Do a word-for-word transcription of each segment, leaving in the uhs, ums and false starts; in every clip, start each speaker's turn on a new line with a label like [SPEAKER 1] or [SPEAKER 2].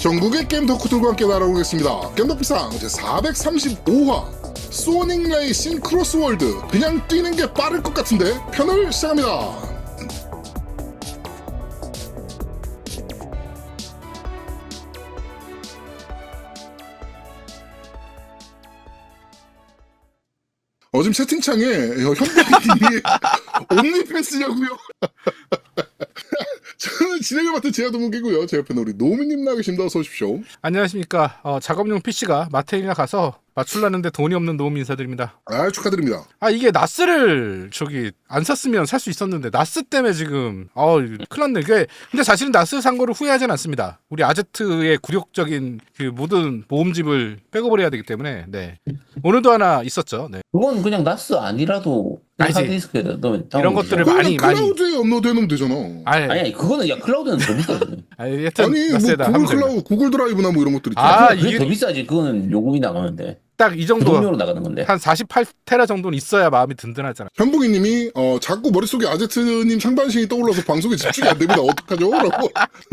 [SPEAKER 1] 전국의 게임 덕후들과 함께 날아오겠습니다. 겜덕비상 제사백삼십오 화 소닉 레이싱 크로스월드 그냥 뛰는 게 빠를 것 같은데 편을 시작합니다. 어, 지금 채팅창에 현빈님이 옴니패스냐고요? 저는 진행을 맡은 제아도문기고요. 제 옆에는 우리 노미님 나와 계십니다. 어서 오십시오.
[SPEAKER 2] 안녕하십니까. 어, 작업용 피씨가 마트에나 가서 맞출라는데 돈이 없는 노미 인사드립니다.
[SPEAKER 1] 아, 축하드립니다.
[SPEAKER 2] 아 이게 나스를 저기 안 샀으면 살 수 있었는데 나스 때문에 지금 어 큰일 났네. 이게 근데 사실은 나스 산 거를 후회하진 않습니다. 우리 아제트의 굴욕적인 그 모든 모음집을 백업을 해야 되기 때문에 네 오늘도 하나 있었죠. 네.
[SPEAKER 3] 그건 그냥 나스 아니라도
[SPEAKER 2] 아니지.
[SPEAKER 3] 하드디스크에 넣으면
[SPEAKER 2] 이런 것들을
[SPEAKER 1] 그거는
[SPEAKER 2] 많이 많이
[SPEAKER 1] 클라우드에 업로드해놓으면 되잖아.
[SPEAKER 2] 아니
[SPEAKER 3] 아니 아니 그거는 야 클라우드는 더 비싸지.
[SPEAKER 2] 아니 하여튼
[SPEAKER 1] 아니 뭐
[SPEAKER 2] 나스에다
[SPEAKER 1] 구글
[SPEAKER 2] 하면 됩니다.
[SPEAKER 1] 클라우드, 구글 드라이브나 뭐 이런 것들 있잖아.
[SPEAKER 2] 아,
[SPEAKER 3] 그게
[SPEAKER 2] 이게-
[SPEAKER 3] 더 비싸지. 그거는 요금이 나가는데
[SPEAKER 2] 딱 이 정도
[SPEAKER 3] 부동료로 나가는 건데.
[SPEAKER 2] 한 사십팔 테라 정도는 있어야 마음이 든든하잖아.
[SPEAKER 1] 현봉이님이 어, 자꾸 머릿속에 아제트님 상반신이 떠올라서 방송에 집중이 안 됩니다. 어떡하죠? 라고.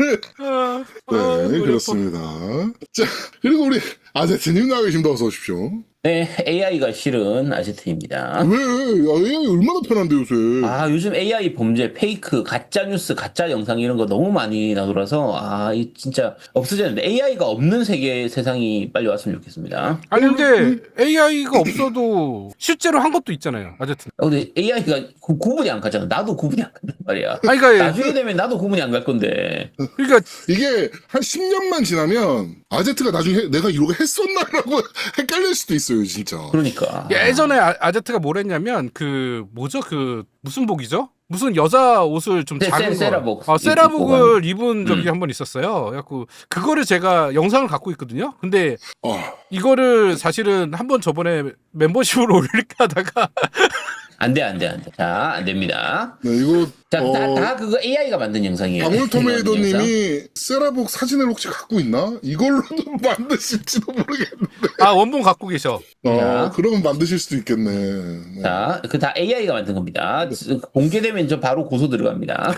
[SPEAKER 1] 네, 그렇습니다. 자, 그리고 우리 아제트님 나와 계십니다. 어서 오십시오.
[SPEAKER 3] 네, 에이아이가 싫은 아제트입니다.
[SPEAKER 1] 왜? 아, 에이아이 얼마나 편한데 요새.
[SPEAKER 3] 아 요즘 에이아이 범죄, 페이크, 가짜 뉴스, 가짜 영상 이런 거 너무 많이 나돌아서 아 이 진짜 없어지는데 에이아이가 없는 세계 세상이 빨리 왔으면 좋겠습니다.
[SPEAKER 2] 아니 근데 에이아이가 없어도 실제로 한 것도 있잖아요. 아제트.
[SPEAKER 3] 아, 근데 에이아이가 구, 구분이 안 가잖아. 나도 구분이 안 간단 말이야.
[SPEAKER 2] 아니 그러니까
[SPEAKER 3] 나중에 되면 나도 구분이 안 갈 건데.
[SPEAKER 2] 그러니까
[SPEAKER 1] 이게 한 십 년만 지나면 아제트가 나중에 내가 이러고 했었나라고 헷갈릴 수도 있어요, 진짜.
[SPEAKER 3] 그러니까.
[SPEAKER 2] 예전에 아, 아제트가 뭘 했냐면 그 뭐죠 그 무슨 복이죠? 무슨 여자 옷을 좀
[SPEAKER 3] 세-
[SPEAKER 2] 작은
[SPEAKER 3] 세-
[SPEAKER 2] 거,
[SPEAKER 3] 세라복
[SPEAKER 2] 어, 세라복을 입은 적이
[SPEAKER 3] 음.
[SPEAKER 2] 한 번 있었어요. 그래갖고 그거를 제가 영상을 갖고 있거든요. 근데
[SPEAKER 1] 어,
[SPEAKER 2] 이거를 사실은 한 번 저번에 멤버십으로 올릴까 하다가
[SPEAKER 3] 안 돼, 안 돼, 안 돼. 자, 안 됩니다.
[SPEAKER 1] 네, 이거
[SPEAKER 3] 자,
[SPEAKER 1] 어,
[SPEAKER 3] 다, 다 그거 에이아이가 만든 영상이에요.
[SPEAKER 1] 방울토메이도님이 세라복 사진을 혹시 갖고 있나? 이걸로도 만드실지도 모르겠는데.
[SPEAKER 2] 아 원본 갖고 계셔.
[SPEAKER 1] 어,
[SPEAKER 3] 자.
[SPEAKER 1] 그러면 만드실 수도 있겠네. 네.
[SPEAKER 3] 자, 그 다 에이아이가 만든 겁니다. 공개되면 저 바로 고소 들어갑니다.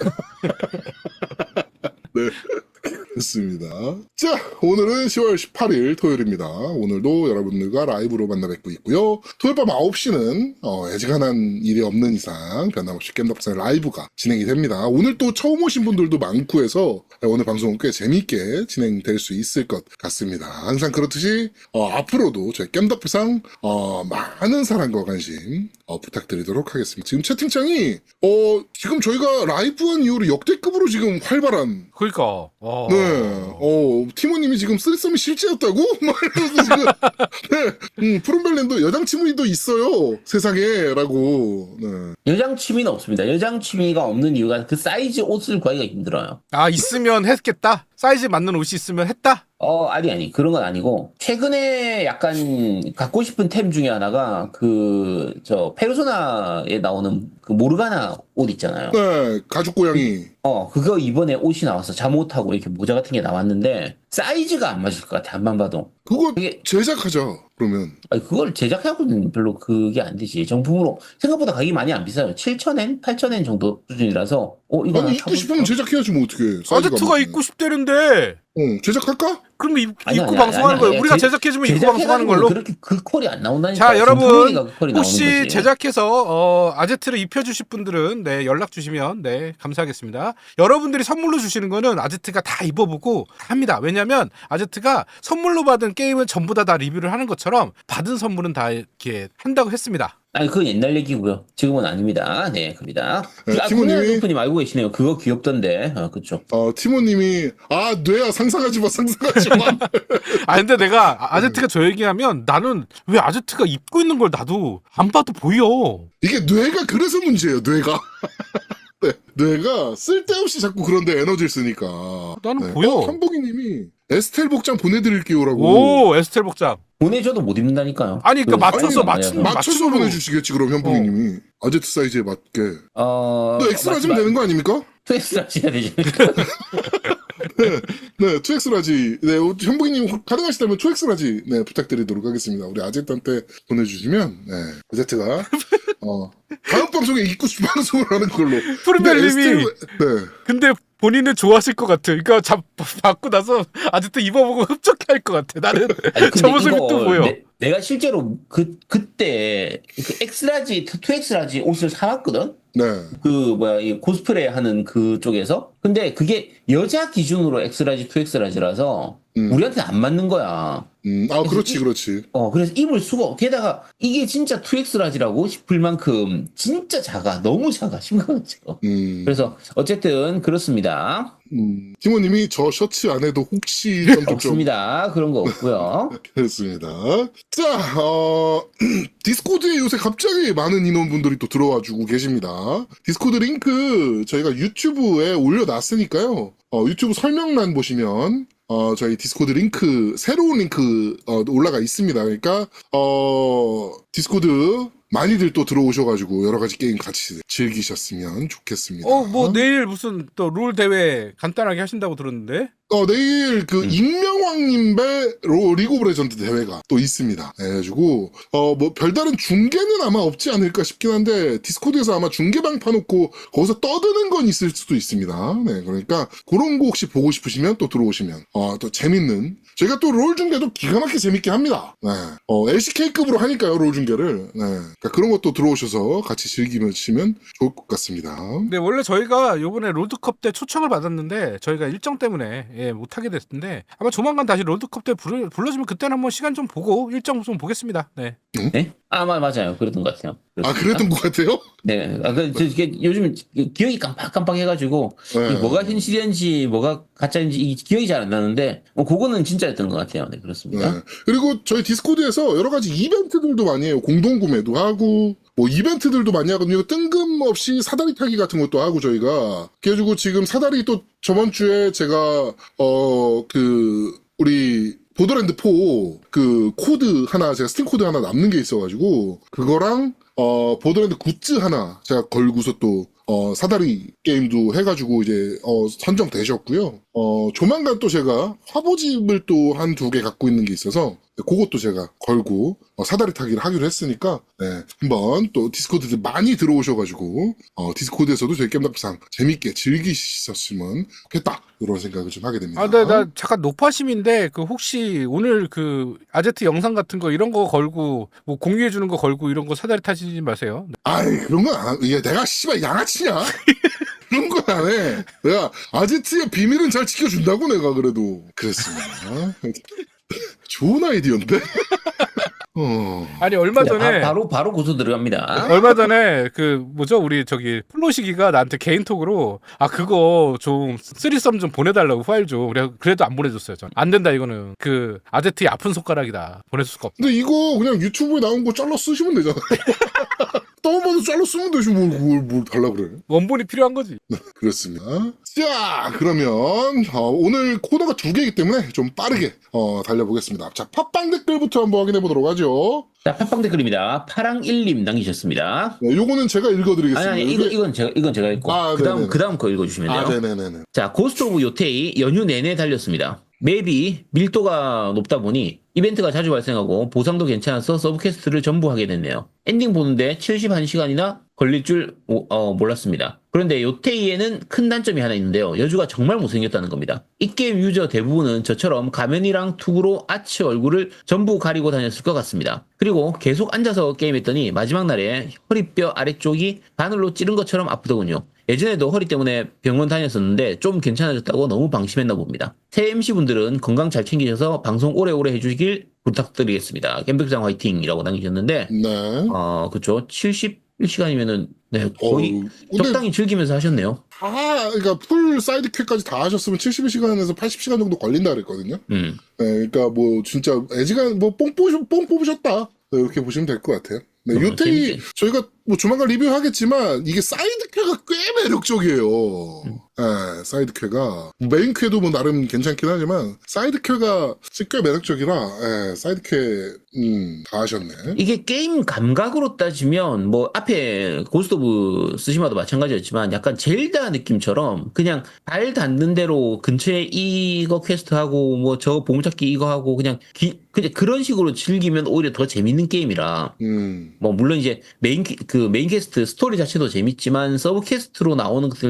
[SPEAKER 1] 됐습니다. 자, 오늘은 시월 십팔일 토요일입니다. 오늘도 여러분들과 라이브로 만나 뵙고 있고요. 토요일 밤 아홉 시는 어, 애지간한 일이 없는 이상 변함없이 겜덕비상 라이브가 진행이 됩니다. 오늘 또 처음 오신 분들도 많고 해서 오늘 방송은 꽤 재미있게 진행될 수 있을 것 같습니다. 항상 그렇듯이 어, 앞으로도 저희 겜덕비상 어, 많은 사랑과 관심 어, 부탁드리도록 하겠습니다. 지금 채팅창이 어, 지금 저희가 라이브한 이후로 역대급으로 지금 활발한
[SPEAKER 2] 그러니까. 어.
[SPEAKER 1] 네, 어, 티모님이 지금 쓰리썸이 실제였다고? 막 이러면서 지금, 네, 음, 푸른벨랜드 여장 치무이도 있어요, 세상에, 라고, 네.
[SPEAKER 3] 여장 취미는 없습니다. 여장 취미가 없는 이유가 그 사이즈 옷을 구하기가 힘들어요.
[SPEAKER 2] 아 있으면 했겠다. 사이즈 맞는 옷이 있으면 했다.
[SPEAKER 3] 어, 아니, 아니. 그런 건 아니고, 최근에 약간 갖고 싶은 템 중에 하나가, 그, 저, 페르소나에 나오는 그 모르가나 옷 있잖아요.
[SPEAKER 1] 네, 가죽 고양이.
[SPEAKER 3] 어, 그거 이번에 옷이 나왔어. 잠옷하고 이렇게 모자 같은 게 나왔는데, 사이즈가 안 맞을 것 같아. 안만 봐도.
[SPEAKER 1] 그거
[SPEAKER 3] 그게-
[SPEAKER 1] 제작하자, 그러면.
[SPEAKER 3] 아니, 그걸 제작하고는 별로 그게 안 되지. 정품으로. 생각보다 가격이 많이 안 비싸요. 칠천 엔? 팔천 엔 정도 수준이라서, 어, 이거 하나
[SPEAKER 1] 아니, 입고
[SPEAKER 3] 사볼까?
[SPEAKER 1] 싶으면 제작해야지, 뭐, 어떡해. 사이즈가
[SPEAKER 2] 아제트가
[SPEAKER 1] 안
[SPEAKER 2] 입고 싶대는데.
[SPEAKER 1] 맞네. 어, 제작할까?
[SPEAKER 2] 그럼 입,
[SPEAKER 3] 아니,
[SPEAKER 2] 입고
[SPEAKER 3] 아니,
[SPEAKER 2] 방송하는
[SPEAKER 3] 아니,
[SPEAKER 2] 거예요.
[SPEAKER 3] 아니,
[SPEAKER 2] 우리가
[SPEAKER 3] 제-
[SPEAKER 2] 제작해주면 입고 방송하는
[SPEAKER 3] 제작해가지고
[SPEAKER 2] 걸로.
[SPEAKER 3] 그렇게 그 콜이 안 나온다니까.
[SPEAKER 2] 자 여러분
[SPEAKER 3] 그 콜이 나오는
[SPEAKER 2] 혹시
[SPEAKER 3] 거지.
[SPEAKER 2] 제작해서 어, 아제트를 입혀주실 분들은 네 연락 주시면 네 감사하겠습니다. 여러분들이 선물로 주시는 거는 아제트가 다 입어보고 합니다. 왜냐하면 아제트가 선물로 받은 게임은 전부 다 다 리뷰를 하는 것처럼 받은 선물은 다 이렇게 한다고 했습니다.
[SPEAKER 3] 아니 그건 옛날 얘기고요. 지금은 아닙니다. 네, 그럽니다.
[SPEAKER 1] 네,
[SPEAKER 3] 아,
[SPEAKER 1] 티모님이-
[SPEAKER 3] 티모님이 님 알고 계시네요. 그거 귀엽던데. 아, 그쵸.
[SPEAKER 1] 어, 티모님이, 아, 뇌야, 상상하지 마, 상상하지 마.
[SPEAKER 2] 아 근데 내가 아- 아제트가 저 얘기하면 나는 왜 아제트가 입고 있는 걸 나도 안 봐도 보여.
[SPEAKER 1] 이게 뇌가 그래서 문제예요, 뇌가. 네, 뇌가 쓸데없이 자꾸 그런데 에너지를 쓰니까.
[SPEAKER 2] 나는 보여.
[SPEAKER 1] 어, 한복이님이 에스텔 복장 보내드릴게요라고.
[SPEAKER 2] 오 에스텔 복장.
[SPEAKER 3] 보내줘도 못 입는다니까요.
[SPEAKER 2] 아니, 그러니까
[SPEAKER 3] 그
[SPEAKER 2] 맞춰서
[SPEAKER 3] 사이즈가
[SPEAKER 2] 맞추는
[SPEAKER 3] 아니라서.
[SPEAKER 1] 맞춰서
[SPEAKER 2] 맞춤으로.
[SPEAKER 1] 보내주시겠지 그럼 현복이님이 아제트 사이즈에 맞게.
[SPEAKER 3] 어.
[SPEAKER 1] 너 엑스라지면 되는 거 아닙니까?
[SPEAKER 3] 엑스라지가 되지.
[SPEAKER 1] 네, 투엑스라지. 네, 현복이님 가능하시다면 투엑스라지 네 부탁드리도록 하겠습니다. 우리 아제트한테 보내주시면 네 아제트가 어 다음 방송에 입고 싶은 방송을 하는 걸로.
[SPEAKER 2] 푸른별님이
[SPEAKER 1] 근데 에스텔- 네.
[SPEAKER 2] 근데 본인은 좋아하실 것 같아. 그러니까 잡 받고 나서 아직도 입어보고 흡족해할 것 같아. 나는
[SPEAKER 3] 아니,
[SPEAKER 2] 저
[SPEAKER 3] 근데
[SPEAKER 2] 모습이
[SPEAKER 3] 이거
[SPEAKER 2] 또 보여.
[SPEAKER 3] 내, 내가 실제로 그 그때 그 엑스라지, 투 엑스라지 옷을 사왔거든.
[SPEAKER 1] 네.
[SPEAKER 3] 그 뭐야 이 코스프레 하는 그 쪽에서. 근데 그게 여자 기준으로 엑스라지, 투 엑스라지라서
[SPEAKER 1] 음.
[SPEAKER 3] 우리한테 안 맞는 거야.
[SPEAKER 1] 음, 아, 그렇지,
[SPEAKER 3] 이-
[SPEAKER 1] 그렇지.
[SPEAKER 3] 어 그래서 입을 수가 없- 게다가 이게 진짜 투 엑스라지라고 싶을 만큼 진짜 작아. 너무 작아. 심각하죠.
[SPEAKER 1] 음,
[SPEAKER 3] 그래서 어쨌든 그렇습니다.
[SPEAKER 1] 음, 팀원님이 저 셔츠 안에도 혹시 점점점
[SPEAKER 3] 없습니다. 그런 거 없고요.
[SPEAKER 1] 그렇습니다. 자, 어, 디스코드에 요새 갑자기 많은 인원분들이 또 들어와주고 계십니다. 디스코드 링크 저희가 유튜브에 올려놨으니까요. 어, 유튜브 설명란 보시면 어, 저희 디스코드 링크, 새로운 링크, 어, 올라가 있습니다. 그러니까, 어, 디스코드 많이들 또 들어오셔가지고 여러 가지 게임 같이 즐기셨으면 좋겠습니다.
[SPEAKER 2] 어, 뭐 내일 무슨 또 롤 대회 간단하게 하신다고 들었는데.
[SPEAKER 1] 어, 내일 그
[SPEAKER 3] 음.
[SPEAKER 1] 익명왕님배 로 리그 오브 레전드 대회가 또 있습니다. 그래가지고, 어, 뭐 별다른 중계는 아마 없지 않을까 싶긴 한데, 디스코드에서 아마 중계방 파놓고 거기서 떠드는 건 있을 수도 있습니다. 네, 그러니까 그런 거 혹시 보고 싶으시면 또 들어오시면, 어, 또 재밌는, 저희가 또 롤 중계도 기가 막히게 재밌게 합니다. 네. 어, 엘씨케이급으로 하니까요, 롤 중계를. 네. 그러니까 그런 것도 들어오셔서 같이 즐기시면 좋을 것 같습니다.
[SPEAKER 2] 근데 원래 저희가 요번에 롤드컵 때 초청을 받았는데 저희가 일정 때문에 예, 못하게 됐는데 아마 조만간 다시 롤드컵 때 불러, 불러주면 그때는 한번 시간 좀 보고 일정 좀 보겠습니다. 네.
[SPEAKER 3] 네? 아, 마- 맞아요. 그랬던 것 같아요.
[SPEAKER 1] 아,
[SPEAKER 3] 그렇습니다.
[SPEAKER 1] 그랬던 것 같아요?
[SPEAKER 3] 네. 아, 그, 저, 이게 요즘 기억이 깜빡깜빡해가지고,
[SPEAKER 1] 네.
[SPEAKER 3] 이게 뭐가 현실인지, 뭐가 가짜인지, 이 기억이 잘 안 나는데, 뭐, 그거는 진짜였던 것 같아요. 네, 그렇습니다.
[SPEAKER 1] 네. 그리고 저희 디스코드에서 여러 가지 이벤트들도 많이 해요. 공동구매도 하고, 뭐 이벤트들도 많이 하거든요. 뜬금없이 사다리 타기 같은 것도 하고 저희가. 그래가지고 지금 사다리 또 저번 주에 제가, 어, 그, 우리, 보더랜드 사 그 코드 하나, 제가 스팀 코드 하나 남는 게 있어가지고, 그거랑, 어, 보더랜드 굿즈 하나 제가 걸고서 또, 어, 사다리 게임도 해가지고 이제, 어, 선정되셨고요. 어, 조만간 또 제가 화보집을 또 한 두 개 갖고 있는 게 있어서, 그것도 제가 걸고, 어, 사다리 타기를 하기로 했으니까, 네, 한번 또 디스코드 많이 들어오셔가지고, 어, 디스코드에서도 저희 겜덕상 재밌게 즐기셨으면 좋겠다. 이런 생각을 좀 하게 됩니다.
[SPEAKER 2] 아, 나, 나 잠깐 노파심인데 그 혹시 오늘 그 아제트 영상 같은 거 이런 거 걸고 뭐 공유해 주는 거 걸고 이런 거 사다리 타시지 마세요.
[SPEAKER 1] 아이, 그런 건 안, 이게 내가 씨발 양아치냐? 그런 건 안 해. 내가 아지트의 비밀은 잘 지켜준다고 내가 그래도. 그랬습니다. 좋은 아이디어인데? 어.
[SPEAKER 2] 아니 얼마
[SPEAKER 3] 네,
[SPEAKER 2] 전에
[SPEAKER 3] 바, 로 바로 고소 들어갑니다.
[SPEAKER 2] 얼마 전에 그 뭐죠 우리 저기 플로시기가 나한테 개인톡으로 아 그거 좀 쓰리썸 좀 보내달라고 파일 좀 그래 그래도 안 보내줬어요. 전 안 된다 이거는 그 아제트의 아픈 손가락이다 보낼 수가 없다.
[SPEAKER 1] 근데 이거 그냥 유튜브에 나온 거 잘라 쓰시면 되잖아요. 다운받아서 잘라 쓰면 되지 뭘, 뭘, 뭘 달라 그래.
[SPEAKER 2] 원본이 필요한 거지.
[SPEAKER 1] 그렇습니다. 자, 그러면 어, 오늘 코너가 두 개이기 때문에 좀 빠르게 어, 달려보겠습니다. 자, 팟빵 댓글부터 한번 확인해 보도록 하죠.
[SPEAKER 3] 자, 팟빵 댓글입니다. 파랑일님 남기셨습니다.
[SPEAKER 1] 네, 요거는 제가 읽어드리겠습니다.
[SPEAKER 3] 아니, 아니, 이거,
[SPEAKER 1] 이게-
[SPEAKER 3] 이건 제가, 이건 제가 읽고.
[SPEAKER 1] 아,
[SPEAKER 3] 그 다음,
[SPEAKER 1] 네네네.
[SPEAKER 3] 그 다음 거 읽어주시면 돼요.
[SPEAKER 1] 아, 네네네네.
[SPEAKER 3] 자, 고스트 오브 요테이 연휴 내내 달렸습니다. 맵이 밀도가 높다 보니 이벤트가 자주 발생하고 보상도 괜찮아서 서브퀘스트를 전부 하게 됐네요. 엔딩 보는데 칠십일 시간이나 걸릴 줄 어, 몰랐습니다. 그런데 요테이에는 큰 단점이 하나 있는데요. 여주가 정말 못생겼다는 겁니다. 이 게임 유저 대부분은 저처럼 가면이랑 투구로 아치 얼굴을 전부 가리고 다녔을 것 같습니다. 그리고 계속 앉아서 게임했더니 마지막 날에 허리뼈 아래쪽이 바늘로 찌른 것처럼 아프더군요. 예전에도 허리 때문에 병원 다녔었는데 좀 괜찮아졌다고 너무 방심했나 봅니다. 새 엠씨분들은 건강 잘 챙기셔서 방송 오래오래 해주시길 부탁드리겠습니다. 겜백장 화이팅이라고 남기셨는데
[SPEAKER 1] 네.
[SPEAKER 3] 어 그쵸 칠십일 시간이면은 네 거의
[SPEAKER 1] 어우, 근데
[SPEAKER 3] 적당히 즐기면서 하셨네요.
[SPEAKER 1] 다, 그러니까 풀 사이드 퀘까지 다 하셨으면 칠십일 시간에서 팔십 시간 정도 걸린다 그랬거든요.
[SPEAKER 3] 음.
[SPEAKER 1] 네, 그러니까 뭐 진짜 애지간 뭐뽕 뽑으셨, 뽕 뽑으셨다. 네, 이렇게 보시면 될 것 같아요. 네,
[SPEAKER 3] 어,
[SPEAKER 1] 요테이
[SPEAKER 3] 재밌게.
[SPEAKER 1] 저희가 뭐 조만간 리뷰하겠지만 이게 사이드 퀘가 꽤 매력적이에요.
[SPEAKER 3] 음.
[SPEAKER 1] 네, 사이드 퀘가 메인 퀘도 뭐 나름 괜찮긴 하지만 사이드 퀘가 꽤 매력적이라 네, 사이드 퀘 음, 다 하셨네.
[SPEAKER 3] 이게 게임 감각으로 따지면 뭐 앞에 고스트 오브 스시마도 마찬가지였지만 약간 젤다 느낌처럼 그냥 발 닿는 대로 근처에 이거 퀘스트 하고 뭐 저 보물찾기 이거 하고 그냥 기, 그냥 그런 식으로 즐기면 오히려 더 재밌는 게임이라
[SPEAKER 1] 음,
[SPEAKER 3] 뭐 물론 이제 메인 퀘- 그 메인 퀘스트 스토리 자체도 재밌지만 서브 퀘스트로 나오는 것들도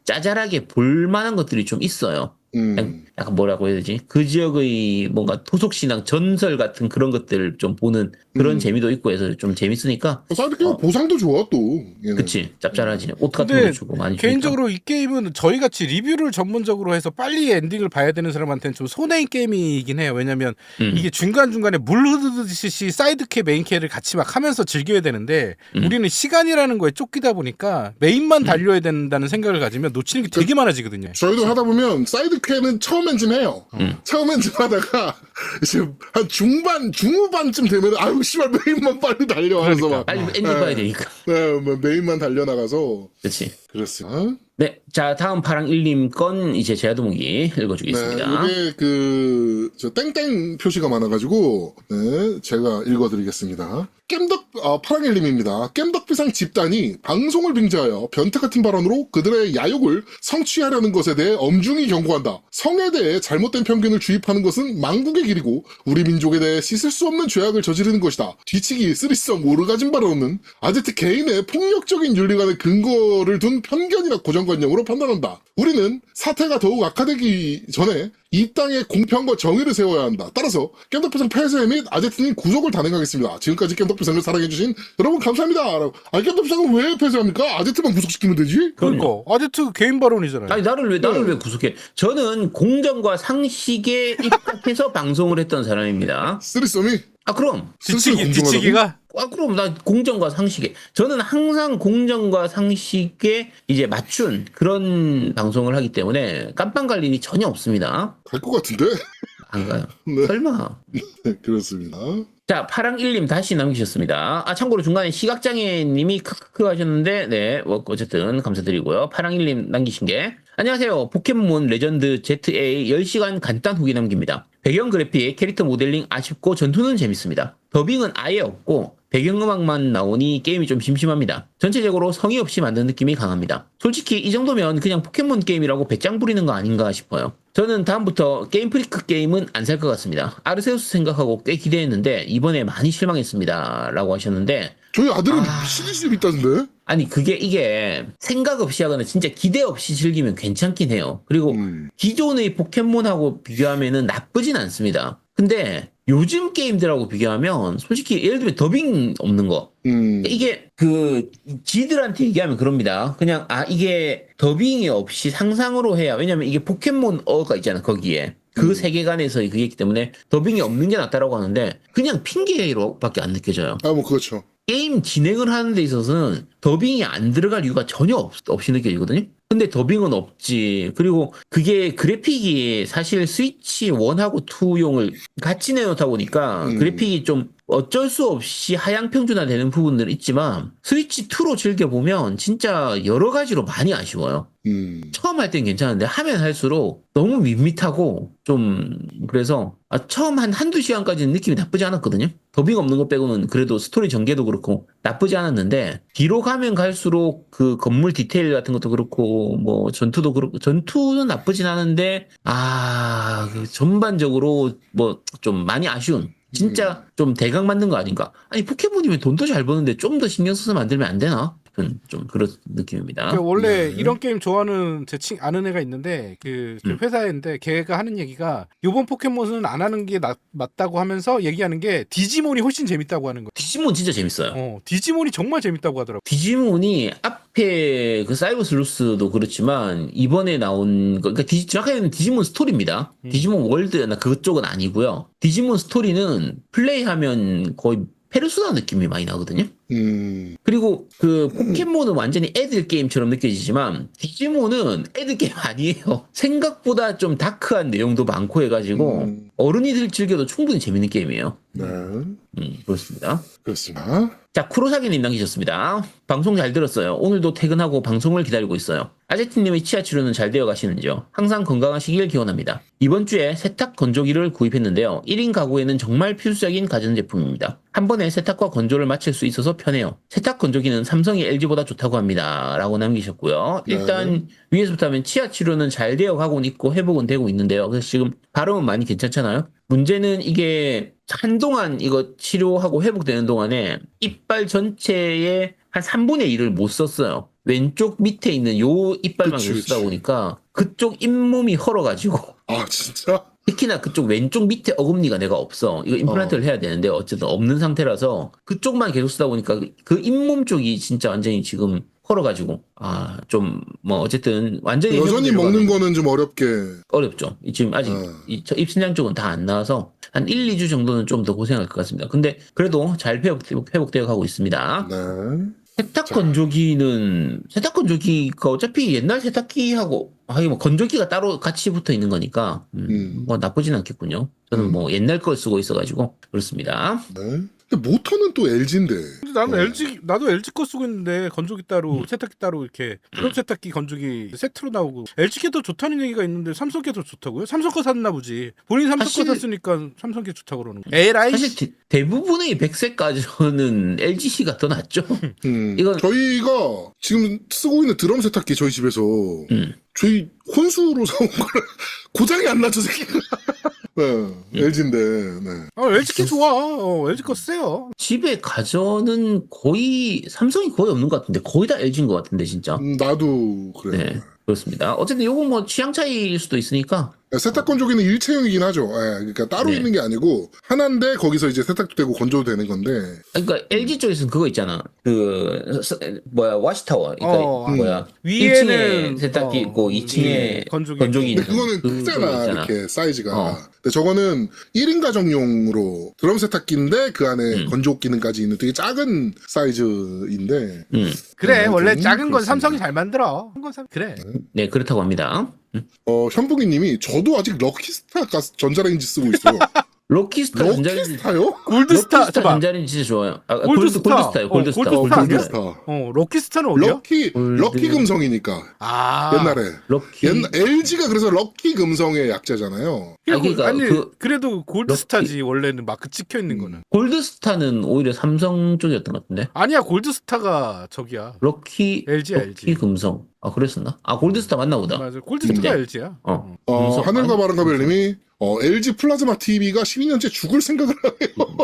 [SPEAKER 3] 짜잘하게 볼만한 것들이 좀 있어요.
[SPEAKER 1] 음.
[SPEAKER 3] 약간 뭐라고 해야 되지? 그 지역의 뭔가 토속신앙 전설 같은 그런 것들 좀 보는 그런
[SPEAKER 1] 음.
[SPEAKER 3] 재미도 있고 해서 좀 재밌으니까.
[SPEAKER 1] 사이드 게임
[SPEAKER 3] 어.
[SPEAKER 1] 보상도 좋아 또. 얘는.
[SPEAKER 3] 그치. 짭짤하지. 옷 같은
[SPEAKER 2] 근데
[SPEAKER 3] 거 주고 많이 주니까.
[SPEAKER 2] 개인적으로 이 게임은 저희 같이 리뷰를 전문적으로 해서 빨리 엔딩을 봐야 되는 사람한테는 좀 손해인 게임이긴 해요. 왜냐면
[SPEAKER 3] 음.
[SPEAKER 2] 이게 중간중간에 물 흐르듯이 사이드캐 메인캐를 같이 막 하면서 즐겨야 되는데
[SPEAKER 3] 음.
[SPEAKER 2] 우리는 시간이라는 거에 쫓기다 보니까 메인만 달려야 된다는 생각을 가지면 놓치는 게 되게 많아지거든요.
[SPEAKER 1] 저희도 하다 보면 사이드 퀘는 처음 엔진 해요.
[SPEAKER 3] 음.
[SPEAKER 1] 처음 엔진 하다가 이제 한 중반 중후반쯤 되면 아유 씨발 메인만 빨리 달려와서
[SPEAKER 2] 그러니까.
[SPEAKER 1] 막
[SPEAKER 3] 빨리 엔딩
[SPEAKER 1] 네.
[SPEAKER 3] 봐야 되니까.
[SPEAKER 1] 네, 뭐 메인만 달려나가서
[SPEAKER 3] 그렇지.
[SPEAKER 1] 그렇습니다.
[SPEAKER 3] 네. 자, 다음 파랑일님 건 이제 제아도목이 읽어주겠습니다.
[SPEAKER 1] 네, 이게 그 저 땡땡 표시가 많아가지고 네, 제가 읽어드리겠습니다. 겜덕 아, 파랑일님입니다. 겜덕비상 집단이 방송을 빙자하여 변태 같은 발언으로 그들의 야욕을 성취하려는 것에 대해 엄중히 경고한다. 성에 대해 잘못된 편견을 주입하는 것은 망국의 길이고 우리 민족에 대해 씻을 수 없는 죄악을 저지르는 것이다. 뒤치기, 쓰리썸, 오르가즘 발언은 아제트 개인의 폭력적인 윤리관의 근거를 둔 편견이나 고정관념으로 판단한다. 우리는 사태가 더욱 악화되기 전에 이 땅에 공평과 정의를 세워야 한다. 따라서 겜덕비상 폐쇄 및 아제트님 구속을 단행하겠습니다. 지금까지 겜덕비상을 사랑해주신 여러분 감사합니다. 아, 겜덕비상은 왜 폐쇄합니까? 아제트만 구속시키면 되지?
[SPEAKER 2] 그러니까 아제트 개인 발언이잖아요.
[SPEAKER 3] 아니 나를 왜 나를
[SPEAKER 1] 네.
[SPEAKER 3] 왜 구속해? 저는 공정과 상식에 입각해서 방송을 했던 사람입니다.
[SPEAKER 1] 쓰리썸이
[SPEAKER 3] 아 그럼
[SPEAKER 2] 뒤치기 뒤치기가
[SPEAKER 3] 아 그럼 나 공정과 상식에 저는 항상 공정과 상식에 이제 맞춘 그런 방송을 하기 때문에 깜빵 갈 일이 전혀 없습니다.
[SPEAKER 1] 갈 것 같은데?
[SPEAKER 3] 안 가요.
[SPEAKER 1] 네.
[SPEAKER 3] 설마.
[SPEAKER 1] 네, 그렇습니다.
[SPEAKER 3] 자, 파랑일님 다시 남기셨습니다. 아, 참고로 중간에 시각장애님이 크크크 하셨는데, 네, 뭐, 어쨌든 감사드리고요. 파랑일님 남기신 게, 안녕하세요. 포켓몬 레전드 제이에이 십 시간 간단 후기 남깁니다. 배경 그래픽, 캐릭터 모델링 아쉽고 전투는 재밌습니다. 더빙은 아예 없고, 배경음악만 나오니 게임이 좀 심심합니다. 전체적으로 성의 없이 만든 느낌이 강합니다. 솔직히 이 정도면 그냥 포켓몬 게임이라고 배짱 부리는 거 아닌가 싶어요. 저는 다음부터 게임 프리크 게임은 안 살 것 같습니다. 아르세우스 생각하고 꽤 기대했는데 이번에 많이 실망했습니다. 라고 하셨는데
[SPEAKER 1] 저희 아들은
[SPEAKER 3] 아.
[SPEAKER 1] 시리즈 있다던데?
[SPEAKER 3] 아니 그게 이게 생각 없이 하거나 진짜 기대 없이 즐기면 괜찮긴 해요. 그리고
[SPEAKER 1] 음.
[SPEAKER 3] 기존의 포켓몬하고 비교하면은 나쁘진 않습니다. 근데 요즘 게임들하고 비교하면 솔직히 예를 들면 더빙 없는 거
[SPEAKER 1] 음.
[SPEAKER 3] 이게 그 지들한테 얘기하면 그럽니다. 그냥 아 이게 더빙이 없이 상상으로 해야 왜냐면 이게 포켓몬 어가 있잖아 거기에 그
[SPEAKER 1] 음.
[SPEAKER 3] 세계관에서의 그게 있기 때문에 더빙이 없는 게 낫다라고 하는데 그냥 핑계로밖에 안 느껴져요.
[SPEAKER 1] 아, 뭐, 그렇죠.
[SPEAKER 3] 게임 진행을 하는 데 있어서는 더빙이 안 들어갈 이유가 전혀 없, 없이 느껴지거든요. 근데 더빙은 없지. 그리고 그게 그래픽이 사실 스위치 일하고 이용을 같이 내놓다 보니까
[SPEAKER 1] 음.
[SPEAKER 3] 그래픽이 좀 어쩔 수 없이 하향 평준화되는 부분들은 있지만 스위치 이로 즐겨보면 진짜 여러 가지로 많이 아쉬워요.
[SPEAKER 1] 음.
[SPEAKER 3] 처음 할 땐 괜찮은데 하면 할수록 너무 밋밋하고 좀 그래서 아, 처음 한 한두 시간까지는 느낌이 나쁘지 않았거든요. 더빙 없는 것 빼고는 그래도 스토리 전개도 그렇고 나쁘지 않았는데 뒤로 가면 갈수록 그 건물 디테일 같은 것도 그렇고 뭐 전투도 그렇고 전투는 나쁘진 않은데 아 그 전반적으로 뭐 좀 많이 아쉬운 진짜 좀 대강 만든 거 아닌가? 아니 포켓몬이면 돈도 잘 버는데 좀 더 신경 써서 만들면 안 되나? 좀, 좀 그런 느낌입니다.
[SPEAKER 2] 그 원래
[SPEAKER 1] 네.
[SPEAKER 2] 이런 게임 좋아하는 제 친 아는 애가 있는데 그, 그
[SPEAKER 3] 음.
[SPEAKER 2] 회사인데 걔가 하는 얘기가 요번 포켓몬은 안 하는 게 나, 맞다고 하면서 얘기하는 게 디지몬이 훨씬 재밌다고 하는 거예요.
[SPEAKER 3] 디지몬 진짜 재밌어요.
[SPEAKER 2] 어, 디지몬이 정말 재밌다고 하더라고.
[SPEAKER 3] 디지몬이 앞에 그 사이버 슬루스도 그렇지만 이번에 나온 거 그러니까 디, 정확하게는 디지몬 스토리입니다.
[SPEAKER 2] 음.
[SPEAKER 3] 디지몬 월드나 그쪽은 아니고요. 디지몬 스토리는 플레이하면 거의 페르소나 느낌이 많이 나거든요.
[SPEAKER 1] 음.
[SPEAKER 3] 그리고 그 포켓몬은 완전히 애들 게임처럼 느껴지지만 디지몬은 애들 게임 아니에요. 생각보다 좀 다크한 내용도 많고 해가지고
[SPEAKER 1] 음.
[SPEAKER 3] 어른이들 즐겨도 충분히 재밌는 게임이에요.
[SPEAKER 1] 네.
[SPEAKER 3] 음, 그렇습니다.
[SPEAKER 1] 그렇습니다.
[SPEAKER 3] 자, 쿠로사기님 남기셨습니다. 방송 잘 들었어요. 오늘도 퇴근하고 방송을 기다리고 있어요. 아제트님의 치아 치료는 잘 되어 가시는지요? 항상 건강하시길 기원합니다. 이번 주에 세탁 건조기를 구입했는데요. 일 인 가구에는 정말 필수적인 가전제품입니다. 한 번에 세탁과 건조를 마칠 수 있어서 편해요. 세탁 건조기는 삼성이 엘지보다 좋다고 합니다. 라고 남기셨고요. 일단
[SPEAKER 1] 네.
[SPEAKER 3] 위에서부터 하면 치아 치료는 잘 되어 가고 있고 회복은 되고 있는데요. 그래서 지금 발음은 많이 괜찮잖아요. 문제는 이게 한동안 이거 치료하고 회복되는 동안에 이빨 전체의 한 삼분의 일을 못 썼어요. 왼쪽 밑에 있는 요 이빨만
[SPEAKER 1] 그치,
[SPEAKER 3] 계속 쓰다
[SPEAKER 1] 그치.
[SPEAKER 3] 보니까 그쪽 잇몸이 헐어가지고
[SPEAKER 1] 아 진짜?
[SPEAKER 3] 특히나 그쪽 왼쪽 밑에 어금니가 내가 없어. 이거 임플란트를 해야 되는데 어쨌든 없는 상태라서 그쪽만 계속 쓰다 보니까 그 잇몸 쪽이 진짜 완전히 지금 헐어가지고 아 좀 뭐 어쨌든 완전히
[SPEAKER 1] 여전히
[SPEAKER 3] 회복되려고
[SPEAKER 1] 먹는
[SPEAKER 3] 하면
[SPEAKER 1] 거는 좀 어렵게.
[SPEAKER 3] 어렵죠. 지금 아직
[SPEAKER 1] 어.
[SPEAKER 3] 이 저 입신장 쪽은 다 안 나와서 한 일, 이 주 정도는 좀 더 고생할 것 같습니다. 근데 그래도 잘 회복, 회복되어 가고 있습니다.
[SPEAKER 1] 네.
[SPEAKER 3] 세탁 건조기는 세탁 건조기가 어차피 옛날 세탁기하고 하긴 뭐 건조기가 따로 같이 붙어 있는 거니까 음,
[SPEAKER 1] 음.
[SPEAKER 3] 뭐 나쁘진 않겠군요. 저는
[SPEAKER 1] 음.
[SPEAKER 3] 뭐 옛날 걸 쓰고 있어가지고 그렇습니다.
[SPEAKER 1] 네. 근데 모터는 또 엘지인데.
[SPEAKER 2] 근데 나는
[SPEAKER 1] 어.
[SPEAKER 2] 엘지 나도 엘지 거 쓰고 있는데 건조기 따로
[SPEAKER 3] 음.
[SPEAKER 2] 세탁기 따로 이렇게 드럼 세탁기 건조기 세트로 나오고 엘지 게 더 좋다는 얘기가 있는데 삼성 게 더 좋다고요? 삼성 거 샀나 보지. 본인 삼성
[SPEAKER 3] 사실-
[SPEAKER 2] 거 샀으니까 삼성 게 좋다고 그러는 거. 에라이.
[SPEAKER 3] 사실 대, 대부분의 백색 가전은 엘지씨가 더 낫죠.
[SPEAKER 1] 음.
[SPEAKER 3] 이건-
[SPEAKER 1] 저희가 지금 쓰고 있는 드럼 세탁기 저희 집에서
[SPEAKER 3] 음.
[SPEAKER 1] 저희 혼수로 사온 거를 고장이 안 나죠, 새끼가. 네. 엘지인데. 네.
[SPEAKER 2] 아, 엘지 게 좋아. 어, 엘지 거 쓰세요.
[SPEAKER 3] 집에 가전은 거의 삼성이 거의 없는 것 같은데 거의 다 엘지인 것 같은데 진짜.
[SPEAKER 1] 음, 나도 그래.
[SPEAKER 3] 네 그렇습니다. 어쨌든 요건 뭐 취향 차이일 수도 있으니까
[SPEAKER 1] 세탁 건조기는 일체형이긴 하죠. 예, 그러니까 따로
[SPEAKER 3] 네.
[SPEAKER 1] 있는 게 아니고 하나인데 거기서 이제 세탁도 되고 건조도 되는 건데.
[SPEAKER 3] 그러니까 엘지 쪽에서는 그거 있잖아. 그 서- 뭐야 와시타워. 그러니까
[SPEAKER 2] 어,
[SPEAKER 3] 뭐야
[SPEAKER 2] 위에는
[SPEAKER 3] 일 층에 세탁기
[SPEAKER 2] 어,
[SPEAKER 3] 있고 이 층에
[SPEAKER 2] 예, 건조기.
[SPEAKER 3] 건조기 있는.
[SPEAKER 1] 근데 그거는
[SPEAKER 3] 그거
[SPEAKER 1] 크잖아,
[SPEAKER 3] 있잖아.
[SPEAKER 1] 이렇게 사이즈가.
[SPEAKER 3] 어.
[SPEAKER 1] 근데 저거는 일 인 가정용으로 드럼 세탁기인데 그 안에
[SPEAKER 3] 음.
[SPEAKER 1] 건조 기능까지 있는 되게 작은 사이즈인데.
[SPEAKER 3] 음.
[SPEAKER 2] 그래
[SPEAKER 1] 네,
[SPEAKER 2] 원래
[SPEAKER 1] 좀
[SPEAKER 2] 작은 건
[SPEAKER 1] 그렇습니다.
[SPEAKER 2] 삼성이 잘 만들어. 큰 건 삼- 그래.
[SPEAKER 3] 네 그렇다고 합니다.
[SPEAKER 1] 어, 현북이님이 저도 아직 럭키스타 가스 전자레인지 쓰고 있어요.
[SPEAKER 3] 럭키스타 전자레인지
[SPEAKER 1] 럭키스타요?
[SPEAKER 2] 골드스타
[SPEAKER 3] 럭키스타
[SPEAKER 2] 잠깐.
[SPEAKER 3] 전자레인지 진짜 좋아요. 아,
[SPEAKER 2] 골드스타.
[SPEAKER 3] 골드, 골드스타요.
[SPEAKER 2] 어,
[SPEAKER 3] 골드스타.
[SPEAKER 2] 골드스타
[SPEAKER 1] 어,
[SPEAKER 2] 아니야?
[SPEAKER 1] 골드스타.
[SPEAKER 2] 어 럭키스타는 어디야?
[SPEAKER 1] 럭키,
[SPEAKER 3] 골드-
[SPEAKER 1] 럭키 금성이니까.
[SPEAKER 2] 아
[SPEAKER 1] 옛날에.
[SPEAKER 3] 럭키.
[SPEAKER 1] 옛날, 엘지가 그래서 럭키 금성의 약자잖아요.
[SPEAKER 3] 아, 그러니까
[SPEAKER 2] 아니
[SPEAKER 3] 그-
[SPEAKER 2] 그래도 골드스타지 원래는 마크 찍혀 있는
[SPEAKER 1] 음.
[SPEAKER 2] 거는.
[SPEAKER 3] 골드스타는 오히려 삼성 쪽이었던 것 같은데.
[SPEAKER 2] 아니야 골드스타가 저기야.
[SPEAKER 3] 럭키
[SPEAKER 2] 엘지야,
[SPEAKER 3] 럭키
[SPEAKER 2] 엘지.
[SPEAKER 3] 금성. 아 그랬었나? 아 골드스타 맞나 보다.
[SPEAKER 2] 맞아 골드스타가
[SPEAKER 3] 음.
[SPEAKER 2] 엘지야.
[SPEAKER 3] 어.
[SPEAKER 1] 어,
[SPEAKER 3] 금성.
[SPEAKER 1] 하늘과
[SPEAKER 3] 아니,
[SPEAKER 1] 바람가별님이 어, 엘지 플라즈마 티비가 십이 년째 죽을 생각을 하네요.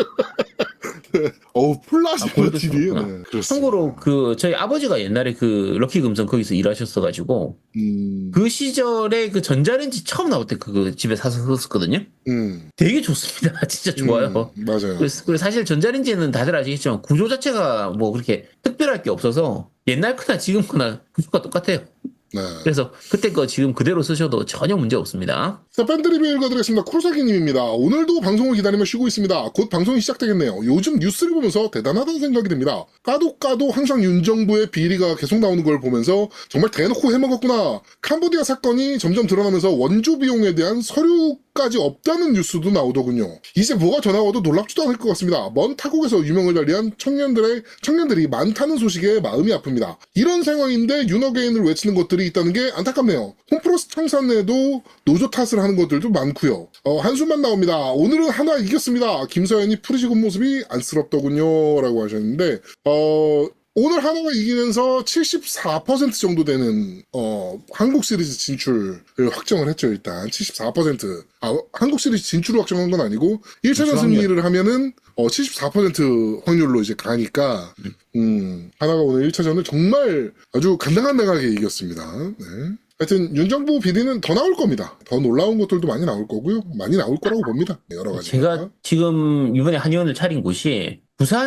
[SPEAKER 1] 네. 어우, 플라즈마
[SPEAKER 3] 아, 골드스타
[SPEAKER 1] 티비.
[SPEAKER 3] 그렇구나.
[SPEAKER 1] 네, 그렇습니다.
[SPEAKER 3] 참고로 그 저희 아버지가 옛날에 그 럭키 금성 거기서 일하셨어가지고
[SPEAKER 1] 음,
[SPEAKER 3] 그 시절에 그 전자레인지 처음 나올 때 그 집에 사서 썼거든요.
[SPEAKER 1] 음,
[SPEAKER 3] 되게 좋습니다. 진짜 좋아요.
[SPEAKER 1] 음, 맞아요.
[SPEAKER 3] 그래서 그리고 사실 전자레인지는 다들 아시겠지만 구조 자체가 뭐 그렇게 특별할 게 없어서 옛날 거나 지금 거나 구조가 똑같아요.
[SPEAKER 1] 네.
[SPEAKER 3] 그래서 그때 거 지금 그대로 쓰셔도 전혀 문제 없습니다.
[SPEAKER 1] 자, 밴드 리뷰 읽어드리겠습니다. 쿠로사기님입니다. 오늘도 방송을 기다리며 쉬고 있습니다. 곧 방송이 시작되겠네요. 요즘 뉴스를 보면서 대단하다는 생각이 듭니다. 까도 까도 항상 윤정부의 비리가 계속 나오는 걸 보면서 정말 대놓고 해먹었구나. 캄보디아 사건이 점점 드러나면서 원조 비용에 대한 서류까지 없다는 뉴스도 나오더군요. 이제 뭐가 더 나와도 놀랍지도 않을 것 같습니다. 먼 타국에서 유명을 달리한 청년들의 청년들이 많다는 소식에 마음이 아픕니다. 이런 상황인데 윤어게인을 외치는 것들이 있다는 게 안타깝네요. 홈프로스 청산에도 노조 탓을 하는 것들도 많고요. 어, 한숨만 나옵니다. 오늘은 하나 이겼습니다. 김서연이 풀이지은 모습이 안쓰럽더군요. 라고 하셨는데 어... 오늘 하나가 이기면서 칠십사 퍼센트 정도 되는 어, 한국 시리즈 진출을 확정을 했죠. 일단 칠십사 퍼센트. 아, 한국 시리즈 진출을 확정한 건 아니고 일 차전
[SPEAKER 3] 진출 확률.
[SPEAKER 1] 승리를 하면은 어, 칠십사 퍼센트 확률로 이제 가니까 음, 하나가 오늘 일 차전을 정말 아주 간당간당하게 이겼습니다. 네. 하여튼 윤정부 비리는 더 나올 겁니다. 더 놀라운 것들도 많이 나올 거고요. 많이 나올 거라고 봅니다. 네, 여러 가지.
[SPEAKER 3] 제가 지금 이번에 한의원을 차린 곳이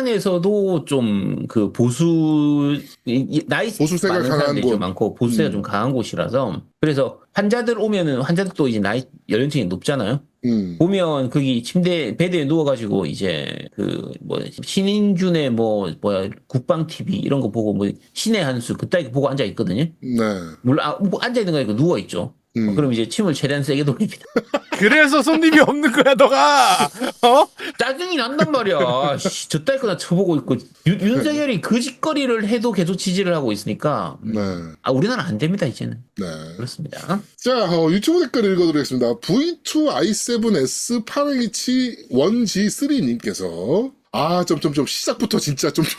[SPEAKER 3] 부산에서도 좀 그 보수 이- 이- 나이
[SPEAKER 1] 보수세가
[SPEAKER 3] 많은
[SPEAKER 1] 강한
[SPEAKER 3] 사람들이
[SPEAKER 1] 곳.
[SPEAKER 3] 좀 많고 보수세가
[SPEAKER 1] 음.
[SPEAKER 3] 좀 강한 곳이라서 그래서 환자들 오면은 환자들도 이제 나이 연령층이 높잖아요.
[SPEAKER 1] 음.
[SPEAKER 3] 보면 거기 침대 베드에 누워가지고 이제 그 뭐 신인준의 뭐 뭐야 국방 티비 이런 거 보고 뭐 신의 한수 그따위 보고 앉아 있거든요.
[SPEAKER 1] 네.
[SPEAKER 3] 물론 아, 뭐 앉아 있는 거 아니고 누워 있죠.
[SPEAKER 1] 음.
[SPEAKER 3] 그럼 이제 침을 최대한 세게 돌립니다.
[SPEAKER 2] 그래서 손님이 없는 거야 너가. 어?
[SPEAKER 3] 짜증이 난단 말이야. 씨, 저따위 거나 쳐보고 있고 윤, 윤석열이 그 짓거리를 해도 계속 지지를 하고 있으니까
[SPEAKER 1] 네.
[SPEAKER 3] 아 우리나라 안 됩니다 이제는.
[SPEAKER 1] 네.
[SPEAKER 3] 그렇습니다.
[SPEAKER 1] 자, 어, 유튜브 댓글 읽어드리겠습니다. 브이 투 아이 세븐 에스 팔 에이치 원 지 쓰리님께서 아, 점점점 시작부터 진짜 점점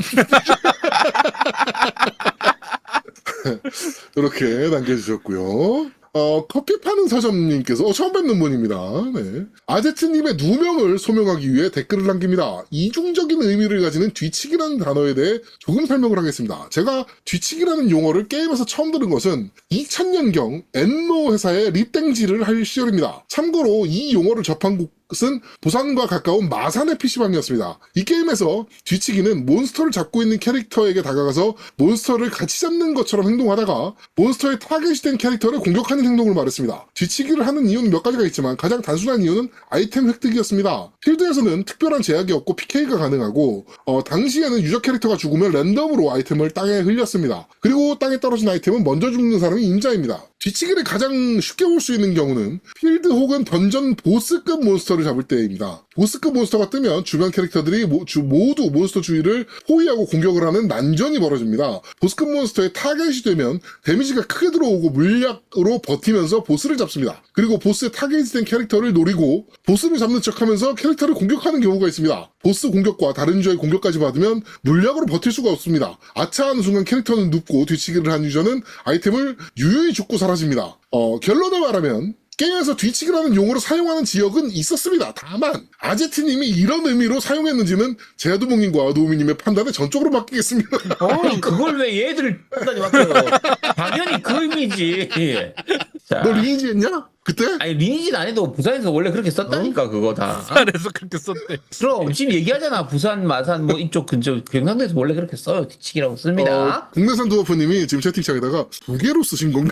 [SPEAKER 1] 이렇게 남겨주셨고요. 어, 커피 파는 서점님께서 어, 처음 뵙는 분입니다. 네. 아제트님의 누명을 소명하기 위해 댓글을 남깁니다. 이중적인 의미를 가지는 뒤치기라는 단어에 대해 조금 설명을 하겠습니다. 제가 뒤치기라는 용어를 게임에서 처음 들은 것은 이천 년경 엔노 회사의 립땡지를 할 시절입니다. 참고로 이 용어를 접한 곳은 부산과 가까운 마산의 피시방이었습니다. 이 게임에서 뒤치기는 몬스터를 잡고 있는 캐릭터에게 다가가서 몬스터를 같이 잡는 것처럼 행동하다가 몬스터의 타겟이 된 캐릭터를 공격하는 행동을 말했습니다. 뒤치기를 하는 이유는 몇 가지가 있지만 가장 단순한 이유는 아이템 획득이었습니다. 필드에서는 특별한 제약이 없고 피케이가 가능하고 어, 당시에는 유저 캐릭터가 죽으면 랜덤으로 아이템을 땅에 흘렸습니다. 그리고 땅에 떨어진 아이템은 먼저 죽는 사람이 임자입니다. 뒤치기를 가장 쉽게 볼 수 있는 경우는 필드 혹은 던전 보스급 몬스터를 잡을 때입니다. 보스급 몬스터가 뜨면 주변 캐릭터들이 모, 주, 모두 몬스터 주위를 포위하고 공격을 하는 난전이 벌어집니다. 보스급 몬스터의 타겟이 되면 데미지가 크게 들어오고 물약으로 버티면서 보스를 잡습니다. 그리고 보스의 타겟이 된 캐릭터를 노리고 보스를 잡는 척하면서 캐릭터를 공격하는 경우가 있습니다. 보스 공격과 다른 유저의 공격까지 받으면 물약으로 버틸 수가 없습니다. 아차하는 순간 캐릭터는 눕고 뒤치기를 한 유저는 아이템을 유유히 죽고 사라집니다. 어, 결론을 말하면 게임에서 뒤치기라는 용어를 사용하는 지역은 있었습니다. 다만 아제트님이 이런 의미로 사용했는지는 제아두봉님과 노우미님의 판단에 전적으로 맡기겠습니다.
[SPEAKER 3] 아니, 그걸 왜 얘들 판단이 맡겨요? 당연히 그 의미지. 자,
[SPEAKER 1] 너 리니지 했냐? 그때?
[SPEAKER 3] 아니 리니지는 안 해도 부산에서 원래 그렇게 썼다니까
[SPEAKER 1] 어?
[SPEAKER 3] 그거 다.
[SPEAKER 2] 부산에서 그렇게 썼대.
[SPEAKER 3] 그럼 지금 얘기하잖아. 부산, 마산 뭐 이쪽 근처 경상도에서 원래 그렇게 써요. 뒤치기라고 씁니다.
[SPEAKER 1] 어, 국내산 두어프님이 지금 채팅창에다가 두 개로 쓰신 건가?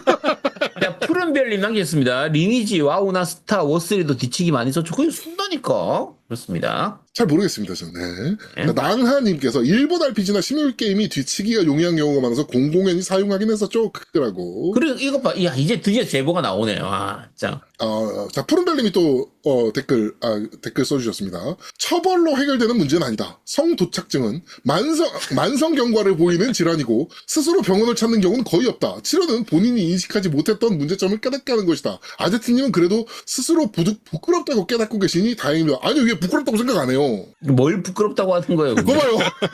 [SPEAKER 3] 자, 푸른별님 남겼습니다. 리니지, 와우나 스타, 워쓰리도 뒤치기 많이 썼죠. 그게 쓴다니까. 그렇습니다.
[SPEAKER 1] 잘 모르겠습니다, 저는. 네.
[SPEAKER 3] 네.
[SPEAKER 1] 자, 낭하님께서 일본 알피지나 시뮬 게임이 뒤치기가 용이한 경우가 많아서 공공연히 사용하긴 했었죠. 크라고.
[SPEAKER 3] 그리고 이것 봐. 야, 이제 드디어 제보가 나오네요. 아, 자.
[SPEAKER 1] 어, 자, 푸른별님이 또, 어, 댓글, 아, 댓글 써주셨습니다. 처벌로 해결되는 문제는 아니다. 성도착증은 만성, 만성 경과를 보이는 질환이고, 스스로 병원을 찾는 경우는 거의 없다. 치료는 본인이 인식하지 못했던 문제점을 깨닫게 하는 것이다. 아제트님은 그래도 스스로 부드, 부끄럽다고 깨닫고 계시니 다행입니다. 아니요, 이게 부끄럽다고 생각 안 해요.
[SPEAKER 3] 뭘 부끄럽다고 하는 거예요? 근데?
[SPEAKER 1] 그거 봐요.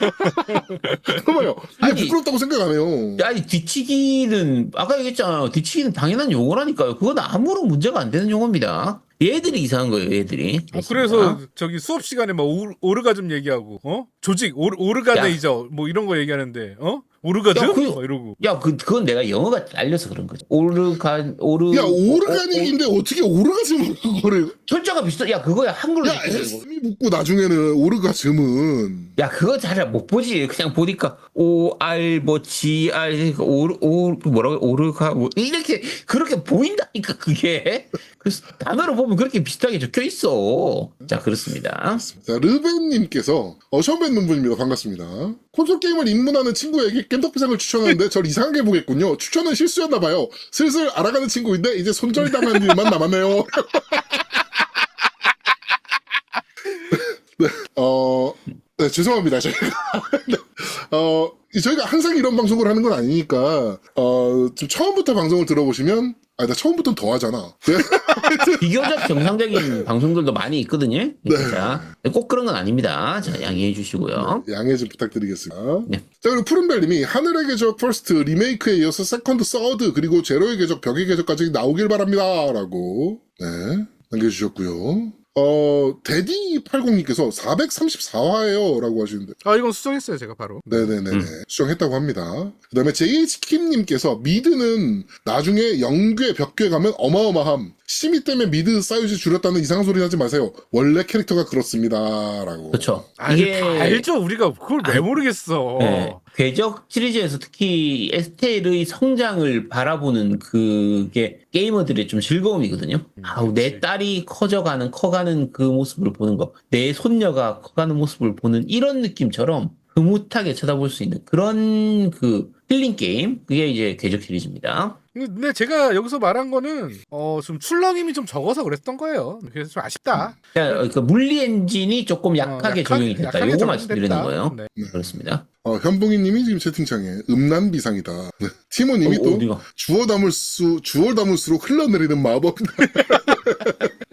[SPEAKER 1] 그거 봐요. 이게
[SPEAKER 3] 아니,
[SPEAKER 1] 부끄럽다고 생각 안 해요.
[SPEAKER 3] 아니, 뒤치기는, 아까 얘기했잖아요. 뒤치기는 당연한 용어라니까요. 그건 아무런 문제가 안 되는 용어입니다. 얘들이 이상한 거예요, 얘들이.
[SPEAKER 2] 어, 그래서 저기 수업 시간에 막 오르, 오르가즘 얘기하고 어 조직 오르, 오르가네이저 뭐 이런 거 얘기하는데 어 오르가즘
[SPEAKER 3] 야, 그-
[SPEAKER 2] 막 이러고
[SPEAKER 3] 야, 그, 그건 내가 영어가 알려서 그런 거지. 오르간, 오르.
[SPEAKER 1] 야, 오르가닉인데 어, 떻게 오르가즘을 그거를.
[SPEAKER 3] 철자가 비슷해. 야, 그거야. 한글로.
[SPEAKER 1] 야,
[SPEAKER 3] 됐거든, 이거.
[SPEAKER 1] 에스미 붙고 나중에는 오르가즘은.
[SPEAKER 3] 야, 그거 잘 못 보지. 그냥 보니까, 오, 알, 뭐, 지, 알, 오르, 오, 뭐라고, 오르가, 뭐, 이렇게, 그렇게 보인다니까, 그게. 그래서 단어로 보면 그렇게 비슷하게 적혀 있어. 자, 그렇습니다.
[SPEAKER 1] 자, 르벤님께서, 어, 처음 뵙는 분입니다. 반갑습니다. 콘솔 게임을 입문하는 친구에게 겜덕비상을 추천하는데 절 이상하게 보겠군요. 추천은 실수였나봐요. 슬슬 알아가는 친구인데 이제 손절당한 일만 남았네요. 네, 어, 네, 죄송합니다. 저희가. 네, 어, 저희가 항상 이런 방송을 하는 건 아니니까, 어, 좀 처음부터 방송을 들어보시면, 아, 나 처음부터는 더 하잖아. 네?
[SPEAKER 3] 비교적 정상적인 방송들도 많이 있거든요.
[SPEAKER 1] 네.
[SPEAKER 3] 자, 꼭 그런 건 아닙니다. 자, 양해해 주시고요.
[SPEAKER 1] 양해 좀 부탁드리겠습니다.
[SPEAKER 3] 네.
[SPEAKER 1] 자, 그리고 푸른별님이 하늘의 궤적 퍼스트 리메이크에 이어서 세컨드, 서드, 그리고 제로의 궤적, 벽의 궤적까지 나오길 바랍니다. 라고, 네, 남겨주셨고요. 어, 데디팔공님께서 사백삼십사 화예요. 라고 하시는데.
[SPEAKER 2] 아 이건 수정했어요 제가 바로.
[SPEAKER 1] 네네네.
[SPEAKER 3] 음.
[SPEAKER 1] 수정했다고 합니다. 그 다음에 제이에이치킴님께서 미드는 나중에 영괴, 벽괴 가면 어마어마함. 심의 때문에 미드 사이즈 줄였다는 이상한 소리 하지 마세요. 원래 캐릭터가 그렇습니다. 라고.
[SPEAKER 3] 그렇죠.
[SPEAKER 2] 아 이게 다 알죠 우리가 그걸 왜 모르겠어.
[SPEAKER 3] 네. 궤적 시리즈에서 특히 에스텔의 성장을 바라보는 그게 게이머들의 좀 즐거움이거든요. 아우, 내 딸이 커져가는, 커가는 그 모습을 보는 거, 내 손녀가 커가는 모습을 보는 이런 느낌처럼 흐뭇하게 쳐다볼 수 있는 그런 그 힐링 게임, 그게 이제 궤적 시리즈입니다.
[SPEAKER 2] 근데 제가 여기서 말한 거는 어 좀 출렁임이 좀 적어서 그랬던 거예요. 그래서 좀 아쉽다.
[SPEAKER 3] 자, 그 물리 엔진이 조금 약하게
[SPEAKER 2] 어,
[SPEAKER 3] 적용이 됐다.
[SPEAKER 2] 약하게
[SPEAKER 3] 요거
[SPEAKER 2] 적용됐다.
[SPEAKER 3] 말씀드리는 거예요.
[SPEAKER 2] 네.
[SPEAKER 3] 그렇습니다.
[SPEAKER 1] 어, 현봉이님이 지금 채팅창에 음란비상이다. 네. 티모님이
[SPEAKER 3] 어,
[SPEAKER 1] 또
[SPEAKER 3] 어디가?
[SPEAKER 1] 주워 담을수, 주워 담을수록 흘러내리는 마법. 네.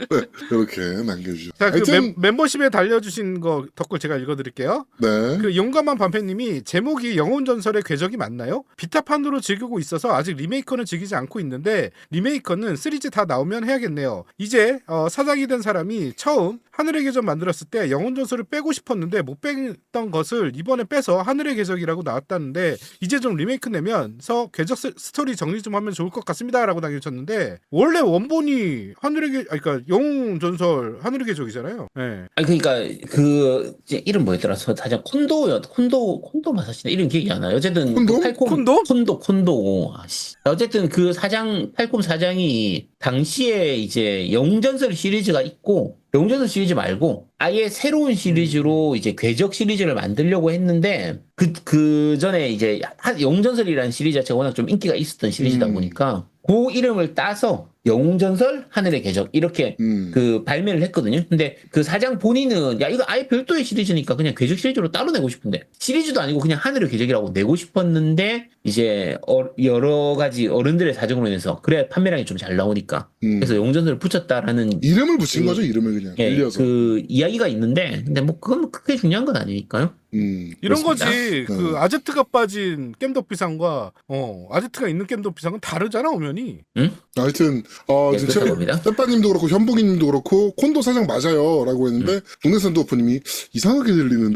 [SPEAKER 1] 이렇게 남겨주셨어요.
[SPEAKER 2] 자, 그
[SPEAKER 1] 하여튼
[SPEAKER 2] 멤, 멤버십에 달려주신 거 덧글 제가 읽어드릴게요.
[SPEAKER 1] 네.
[SPEAKER 2] 그 용감한 반패님이 제목이 영혼전설의 궤적이 맞나요? 비타판으로 즐기고 있어서 아직 리메이커는 즐기지 않고 있는데 리메이커는 시리즈 다 나오면 해야겠네요. 이제 어, 사장이 된 사람이 처음 하늘의 궤적 만들었을 때 영혼전설을 빼고 싶었는데 못 뺐던 것을 이번에 빼서 하늘의 궤적이라고 나왔다는데 이제 좀 리메이크 내면서 궤적 스- 스토리 정리 좀 하면 좋을 것 같습니다 라고 남겨주셨는데 원래 원본이 하늘의 궤 아니, 그러니까 영혼전설 하늘의 궤적이잖아요. 네.
[SPEAKER 3] 아니 그러니까 그 이제 이름 뭐였더라? 저 사장 콘도요. 콘도 콘도 마사시나 이름 기억이 안 나요. 어쨌든
[SPEAKER 1] 콘돔?
[SPEAKER 3] 그 팔콤
[SPEAKER 2] 콘돔?
[SPEAKER 3] 콘도 콘도. 아씨. 어쨌든 그 사장 팔콤 사장이 당시에 이제 영전설 시리즈가 있고 영전설 시리즈 말고 아예 새로운 시리즈로 이제 궤적 시리즈를 만들려고 했는데 그 그 전에 이제 한- 영전설이라는 시리즈 자체가 워낙 좀 인기가 있었던 시리즈다
[SPEAKER 1] 음.
[SPEAKER 3] 보니까 그 이름을 따서 영웅전설 하늘의 궤적 이렇게
[SPEAKER 1] 음.
[SPEAKER 3] 그 발매를 했거든요. 근데 그 사장 본인은 야 이거 아예 별도의 시리즈니까 그냥 궤적 시리즈로 따로 내고 싶은데 시리즈도 아니고 그냥 하늘의 궤적이라고 내고 싶었는데 이제 어- 여러 가지 어른들의 사정으로 인해서 그래 판매량이 좀 잘 나오니까
[SPEAKER 1] 음.
[SPEAKER 3] 그래서 영웅전설을 붙였다라는
[SPEAKER 1] 이름을 붙인
[SPEAKER 3] 그-
[SPEAKER 1] 거죠, 이름을 그냥
[SPEAKER 3] 예,
[SPEAKER 1] 빌려서.
[SPEAKER 3] 그 이야기가 있는데 근데 뭐 그건 크게 중요한 건 아니니까요.
[SPEAKER 1] 음.
[SPEAKER 2] 이런
[SPEAKER 3] 그렇습니다.
[SPEAKER 2] 거지. 그
[SPEAKER 1] 네.
[SPEAKER 2] 아제트가 빠진 겜덕비상과 어 아제트가 있는 겜덕비상은 다르잖아 오면이.
[SPEAKER 1] 하여튼 어
[SPEAKER 3] 네,
[SPEAKER 1] 진짜
[SPEAKER 3] 그렇다고 합니다.
[SPEAKER 1] 빼빠님도 그렇고 현복이님도 그렇고 콘도 사장 맞아요라고
[SPEAKER 3] 음.
[SPEAKER 1] 했는데 동네산도어프님이 이상하게 들리는데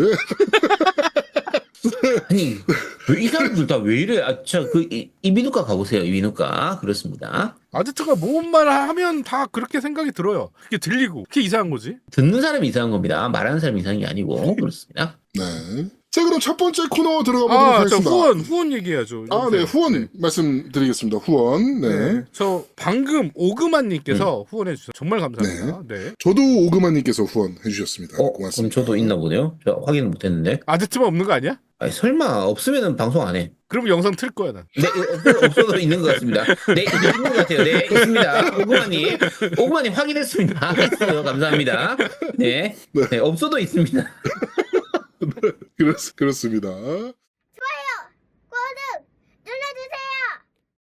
[SPEAKER 3] 아니 왜 이 사람들 다 왜 이래? 아저그 이비인후과 가보세요. 이비인후과 그렇습니다.
[SPEAKER 2] 아제트가 뭔 말 하면 다 그렇게 생각이 들어요. 그게 들리고 그게 이상한 거지.
[SPEAKER 3] 듣는 사람이 이상한 겁니다. 말하는 사람이 이상한 게 아니고 그렇습니다.
[SPEAKER 1] 네. 자 그럼 첫 번째 코너 들어가 보도록
[SPEAKER 2] 아, 저
[SPEAKER 1] 하겠습니다.
[SPEAKER 2] 후원 후원 얘기해야죠.
[SPEAKER 1] 아, 네, 후원 말씀드리겠습니다. 후원. 네.
[SPEAKER 2] 네. 저 방금 오그만님께서 후원해 주셔서 정말 감사합니다. 네.
[SPEAKER 1] 저도 오그마님께서 후원해 주셨습니다.
[SPEAKER 3] 어, 그럼
[SPEAKER 1] 고맙습니다.
[SPEAKER 3] 저도 있나 보네요. 저 확인을 못했는데.
[SPEAKER 2] 아제트만 없는 거 아니야?
[SPEAKER 3] 아니, 설마 없으면은 방송 안 해.
[SPEAKER 2] 그럼 영상 틀 거야 난.
[SPEAKER 3] 네, 없- 없어도 있는 것 같습니다. 네, 있는 것 같아요. 네, 있습니다. 오구마님, 오구마님 확인했습니다. 했어요. 감사합니다. 네, 네, 없어도 있습니다.
[SPEAKER 1] 그렇, 그렇습니다.